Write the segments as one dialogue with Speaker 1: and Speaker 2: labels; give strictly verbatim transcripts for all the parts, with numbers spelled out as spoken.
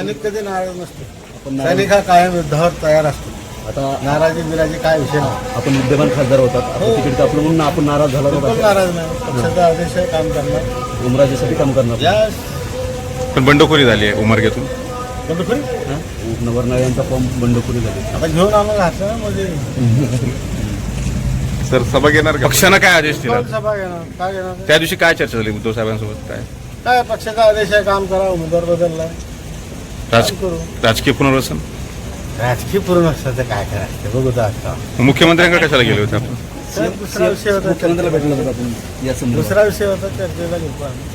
Speaker 1: सैनिक कधी नाराज नसतो. सैनिक हा कायम युद्धावर तयार असतो.
Speaker 2: आता
Speaker 1: नाराजी बिराजी काय विषय नाही.
Speaker 2: आपण विद्यमान खासदार होतात, आता तिकीट कापलं म्हणून आपण नाराज झाला
Speaker 1: बिलकुल नाराज नाही. पक्षाचा आदेश आहे, काम करणार,
Speaker 2: उमराजेसाठी काम करणार.
Speaker 1: यस.
Speaker 3: पण बंडखोरी झाली आहे उमरग्यातून.
Speaker 1: बंडखोरी
Speaker 2: नवरनाळे यांचा फॉर्म बंडखोरी झाली.
Speaker 1: आता घेऊन आम्हाला घातलं ना म्हणजे
Speaker 3: सर सभा घेणार का? पक्षानं काय आदेश दिला?
Speaker 1: कोण सभा घेणार, काय घेणार?
Speaker 3: त्या दिवशी काय चर्चा झाली उद्धव साहेबांसोबत? काय
Speaker 1: काय पक्षाचा आदेश आहे, काम करा. उमेदवार बदलला,
Speaker 3: राज
Speaker 1: काम करू.
Speaker 3: राजकीय पुनर्वसन.
Speaker 1: राजकीय पूर्ण असतं काय करायचं बघू तर आता.
Speaker 3: मुख्यमंत्र्यांकडे कशाला गेले होते आपण?
Speaker 1: सर, दुसरा विषय होता,
Speaker 2: मुख्यमंत्र्याला भेटलं होतं आपण या संदर्भात.
Speaker 1: दुसरा विषय होता, चर्चेला घेतो आम्ही.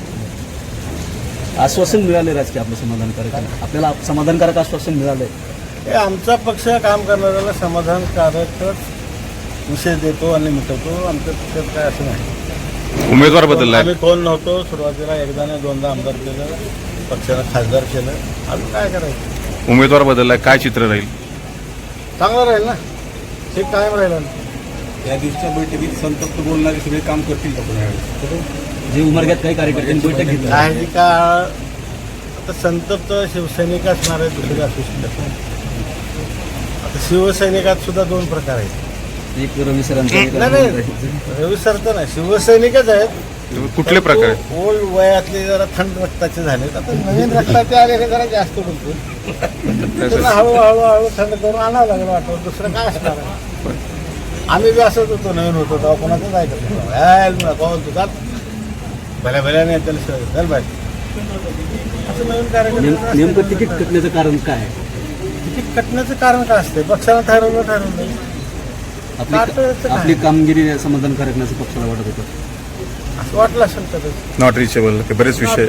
Speaker 2: आश्वासन मिळाले राजकीय आपलं समाधानकारक आहे. आपल्याला समाधानकारक आश्वासन मिळालंय.
Speaker 1: हे आमचा पक्ष काम करणाऱ्याला समाधानकारकच विषय देतो आणि मिटवतो. आमच्या पक्षात काय असं नाही.
Speaker 3: उमेदवार बदललाय.
Speaker 1: आम्ही कोण नव्हतो सुरुवातीला, एकदा नाही दोनदा आमदार केलं, पक्षानं खासदार केलं. अजून काय करायचं?
Speaker 3: उमेदवार बदललाय, काय चित्र राहील?
Speaker 1: चांगलं राहील ना, हे कायम राहिलं ना.
Speaker 4: या दिवसच्या बैठकीत संतप्त बोलणारे सगळे काम करतील का पुन्हा यावेळी?
Speaker 2: जे उमरग्यात काही कार्यकर्त्यांनी बैठक घेतली.
Speaker 1: काही का आता संतप्त शिवसैनिक असणार आहे, दुसरे असू शकत नाही. आता शिवसैनिकात सुद्धा दोन प्रकार आहेत.
Speaker 2: एक रवी सरांचा एक
Speaker 1: नाही नाही, रवी सर तर नाही, शिवसैनिकच आहेत.
Speaker 3: कुठले प्रकार आहेत?
Speaker 1: ओल्ड वयातले जरा थंड रक्ताचे झालेत. आता नवीन रक्ताचे आले जरा जास्त बोलतो. त्यांना हळूहळू हळू थंड करून आणावं लागलं वाटतं. दुसरं काय असणार आहे? आम्ही बी असंच होतो, नवीन होतो तेव्हा कोणाचंच ऐकत नव्हतं. कोण तुझा भल्या भल्या नाही त्याला चल पाहिजे असं नवीन कार्यक्रम.
Speaker 2: नेमकं तिकीट कटण्याचं कारण काय आहे?
Speaker 1: तिकीट कटण्याचं कारण काय असते? पक्षानं ठरवलं ठरवलं
Speaker 2: आपली
Speaker 1: काटायचं काय?
Speaker 2: आपली कामगिरी समाधानकारक नसं पक्षाला वाटत होतं.
Speaker 1: असं वाटलं असेल तर
Speaker 3: नॉट रिचेबल बरेच विषय.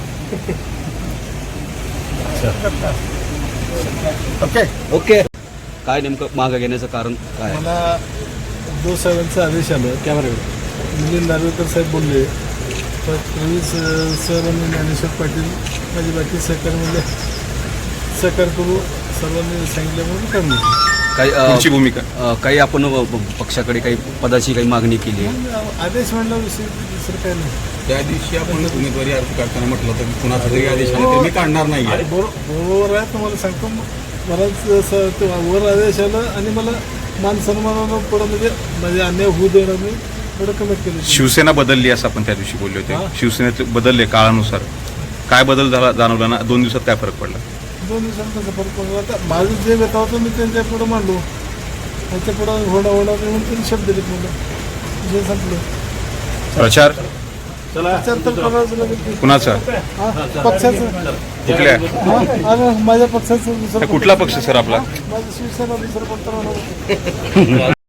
Speaker 1: Okay
Speaker 2: okay. काय नेमकं मागं घेण्याचं कारण काय?
Speaker 5: मला उद्धव साहेबांचा आदेश आला कॅमेऱ्यावर. मिलिंद नार्वेकर साहेब बोलले, तर रवी सर आणि ज्ञानेश्वर पाटील माझे बाकी सहकारी म्हणजे सहकार करू सर्वांनी सांगितलं म्हणून करणे.
Speaker 2: काही अ,
Speaker 3: तुमची भूमिका?
Speaker 2: अ, काही आपण अ, पक्षाकडे काही पदाची काही मागणी केली आहे?
Speaker 5: मग आदेश म्हणला विषय दुसरं काय नाही.
Speaker 4: त्या दिवशी आपण उमेदवारी अर्ज काढताना म्हटलं होतं की कुणाचा जरी आदेश आला तर मी काढणार नाही आहे.
Speaker 5: बरो- बरोबर आहे, तुम्हाला सांगतो. मलाच असं ते वर आदेश आला आणि मला मान सन्मानानं पुढं म्हणजे म्हणजे अन्याय होऊ देणार नाही थोडं कमेंट केलं.
Speaker 3: शिवसेना बदलली असं आपण त्या दिवशी बोलले होते.
Speaker 5: हा.
Speaker 3: शिवसेनेत बदलले काळानुसार. काय बदल झाला जाणवला ना? दोन दिवसात काय फरक पडला?
Speaker 5: दोन दिवसांत कसं फरक पडला? आता माझं जे व्यथा होतं मी त्यांच्या पुढं मांडलो. त्यांच्या पुढं होणं होणार नाही म्हणून त्यांनी शब्द दिलेत मला. जे संपलं
Speaker 3: प्रचार
Speaker 5: प्रचार तर करायचं लागेल.
Speaker 3: कुणाचा?
Speaker 5: हा, पक्षाचं.
Speaker 3: कुठल्या?
Speaker 5: हा, अरे माझ्या पक्षाचं दुसरं
Speaker 3: कुठला पक्ष सर आपला?
Speaker 5: माझं शिवसेना दुसरं कोणतं राहणार.